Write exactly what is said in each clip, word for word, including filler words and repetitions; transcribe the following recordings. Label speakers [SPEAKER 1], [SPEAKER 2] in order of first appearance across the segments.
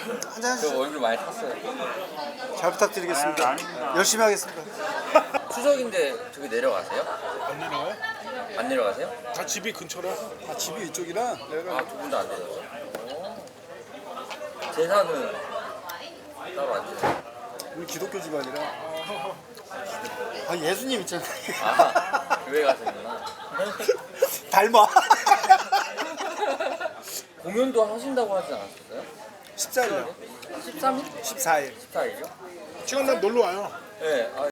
[SPEAKER 1] 한잔
[SPEAKER 2] 저
[SPEAKER 1] 하시죠.
[SPEAKER 2] 얼굴 많이 탔어요.
[SPEAKER 1] 잘 부탁드리겠습니다.
[SPEAKER 3] 아, 아닙니다.
[SPEAKER 1] 열심히 하겠습니다.
[SPEAKER 2] 추석인데 저기 내려가세요?
[SPEAKER 3] 안 내려와요?
[SPEAKER 2] 안 내려가세요?
[SPEAKER 3] 다 집이 근처라.
[SPEAKER 1] 아, 집이 이쪽이라 내가
[SPEAKER 2] 아, 두 분도 안 내려가세요? 오. 제사는 따로 안 지내요?
[SPEAKER 1] 우리 기독교 집안이라. 아, 예수님 있잖아.
[SPEAKER 2] 아, 교회 가시는구나.
[SPEAKER 1] 닮아.
[SPEAKER 2] 공연도 하신다고 하지 않았었어요?
[SPEAKER 1] 십사 일요.
[SPEAKER 2] 십삼 일?
[SPEAKER 1] 십사 일.
[SPEAKER 2] 십사 일이요?
[SPEAKER 3] 시간 날 놀러 와요.
[SPEAKER 2] 네. 아,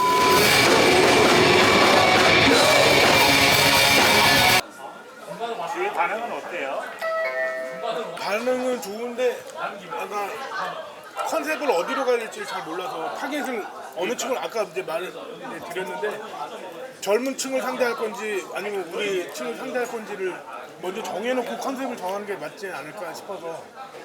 [SPEAKER 4] 주위 반응은 어때요?
[SPEAKER 3] 반응은 좋은데 아까 컨셉을 어디로 가야 될지 잘 몰라서 타겟을 어느 층을 아까 이제 말을 드렸는데 젊은 층을 상대할 건지 아니면 우리 층을 상대할 건지를 먼저 정해놓고 컨셉을 정하는 게 맞지 않을까 싶어서.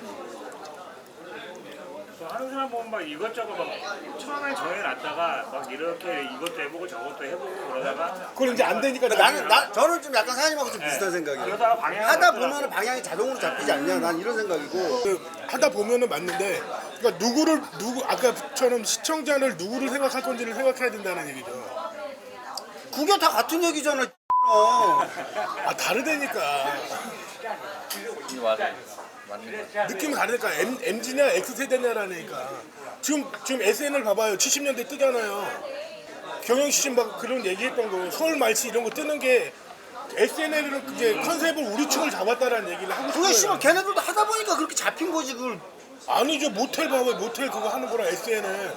[SPEAKER 4] 저 하는 사람 보면 막 이것저것 막 처음에 정해놨다가 막 이렇게 이것도 해보고 저것도 해보고 그러다가
[SPEAKER 3] 그건 이제 안 되니까
[SPEAKER 1] 나는 나 저는 좀 약간 사장님하고 좀 비슷한 생각이에요.
[SPEAKER 4] 그러다가 방향을
[SPEAKER 1] 하다
[SPEAKER 4] 바꾸다가
[SPEAKER 1] 보면 방향이 자동으로 잡히지 않냐, 난 이런 생각이고.
[SPEAKER 3] 그 하다 보면은 맞는데 그러니까 누구를 누구 아까처럼 시청자를 누구를 생각할 건지를 생각해야 된다는 얘기죠.
[SPEAKER 1] 그게 다 같은 얘기잖아.
[SPEAKER 3] 아 다르다니까.
[SPEAKER 2] 이거 맞아요. 맞는 거.
[SPEAKER 3] 느낌이 다르니까 M, 엠지냐 X세대냐라니까. 지금 지금 에스엔엘 봐봐요. 칠십 년대 뜨잖아요. 경영씨 막 그런 얘기했던 거 서울 말씨 이런 거 뜨는 게 에스엔엘은 이제 컨셉을 우리 층을 잡았다라는 얘기를 하고
[SPEAKER 1] 그게 씨발
[SPEAKER 3] 싶어요.
[SPEAKER 1] 걔네들도 하다 보니까 그렇게 잡힌 거지. 그걸
[SPEAKER 3] 아니죠. 모텔 봐봐요. 모텔 그거 하는 거랑 에스엔엘.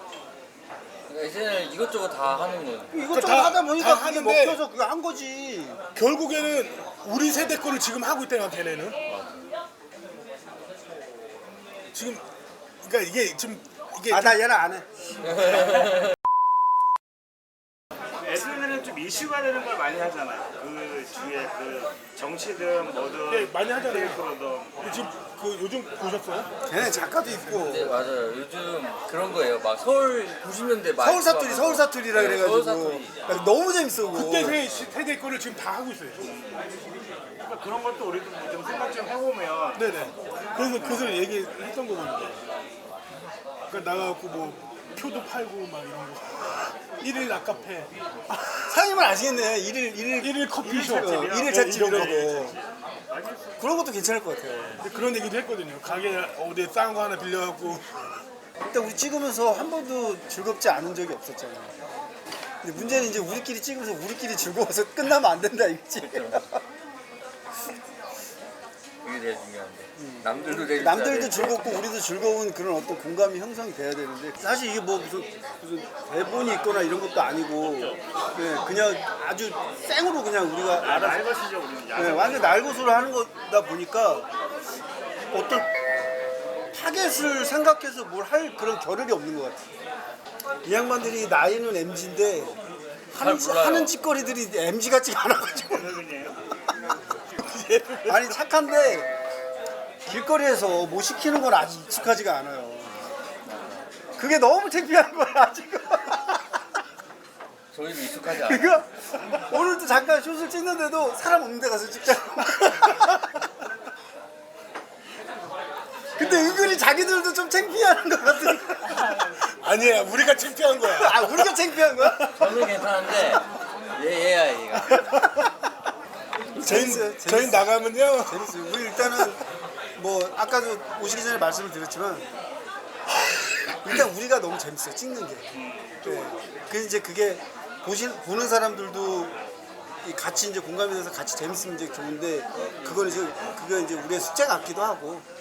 [SPEAKER 2] 이제는 이것저것 다 하는 거.
[SPEAKER 1] 이것저것
[SPEAKER 3] 다-
[SPEAKER 1] 하다
[SPEAKER 3] 다
[SPEAKER 1] 보니까 그게
[SPEAKER 3] 하는데
[SPEAKER 1] 먹혀서 그거 한 거지.
[SPEAKER 3] 결국에는 우리 세대 거를 지금 하고 있다니까 걔네는. 지금 그러니까 이게 지금 이게
[SPEAKER 1] 아, 나 얘는 안 해.
[SPEAKER 4] 에스엔엘은 좀 이슈가 되는 걸 많이 하잖아요. 그 주위에 그 정치든 뭐든
[SPEAKER 3] 네, 많이 하잖아요.
[SPEAKER 4] 테이프로든
[SPEAKER 3] 지금 그 요즘 보셨어요?
[SPEAKER 1] 걔네 작가도 있고.
[SPEAKER 2] 네, 맞아요. 요즘 그런 거예요. 막 서울 구십 년대 말.
[SPEAKER 1] 서울 사투리, 서울 사투리라
[SPEAKER 2] 네,
[SPEAKER 1] 그래가지고.
[SPEAKER 2] 서울 사투리.
[SPEAKER 1] 야, 너무 재밌어. 그거.
[SPEAKER 3] 그때 세, 세대 거를 지금 다 하고 있어요.
[SPEAKER 4] 그러니까 그런 것도 우리도 좀 생각 좀 해보면
[SPEAKER 3] 네네. 그래서 그래서 얘기했던 거거든요. 그러니까 나가갖고 뭐 표도 팔고 막 이런 거. 일일 낙카페,
[SPEAKER 1] 사장님은 아시겠네. 일일, 일일,
[SPEAKER 3] 일일 커피숍,
[SPEAKER 1] 어, 일일
[SPEAKER 3] 네,
[SPEAKER 1] 찻집 이런
[SPEAKER 3] 이런
[SPEAKER 1] 거. 그런 것도 괜찮을 것 같아요.
[SPEAKER 3] 그런 얘기도 했거든요. 가게 어디 싼 거 하나 빌려갖고
[SPEAKER 1] 일단 우리 찍으면서 한 번도 즐겁지 않은 적이 없었잖아. 근데 문제는 이제 우리끼리 찍으면서 우리끼리 즐거워서 끝나면 안 된다 이거지.
[SPEAKER 2] 그게 제일 중요한데. 남들도 제일
[SPEAKER 1] 남들도 즐겁고 우리도 즐거운 그런 어떤 공감이 형성이 돼야 되는데 사실 이게 뭐 무슨 무슨 대본이 있거나 이런 것도 아니고 네, 그냥 아주 생으로 그냥 우리가 알아서
[SPEAKER 4] 날것이죠 우리는.
[SPEAKER 1] 네, 완전 날것으로 하는 거다 보니까 어떤 타겟을 생각해서 뭘 할 그런 겨를이 없는 것 같아. 이 양반들이 나이는 엠지인데 하는,
[SPEAKER 2] 몰라요.
[SPEAKER 1] 하는 짓거리들이 엠지 같지가 않아가지고 아니 착한데 길거리에서 뭐 시키는 건 아직 익숙하지가 않아요. 그게 너무 창피한 거야 지금.
[SPEAKER 2] 저희도 익숙하지 않아요.
[SPEAKER 1] 그거 오늘도 잠깐 숏을 찍는데도 사람 없는 데 가서 찍자고. 근데 은근히 자기들도 좀 창피해하는 것 같으니까.
[SPEAKER 3] 아니야 우리가 창피한 거야.
[SPEAKER 1] 아 우리가 창피한 거야?
[SPEAKER 2] 저는 괜찮은데 얘 얘야 얘가.
[SPEAKER 3] 저희
[SPEAKER 1] 재밌어요,
[SPEAKER 3] 저희
[SPEAKER 1] 재밌어요.
[SPEAKER 3] 나가면요.
[SPEAKER 1] 재밌어요. 우리 일단은 뭐 아까도 오시기 전에 말씀을 드렸지만 일단 우리가 너무 재밌어요 찍는 게. 네. 그 이제 그게 보신 보는 사람들도 이 같이 이제 공감이 돼서 같이 재밌으면 이제 좋은데 그건 이제 그거 이제 우리의 숙제 같기도 하고.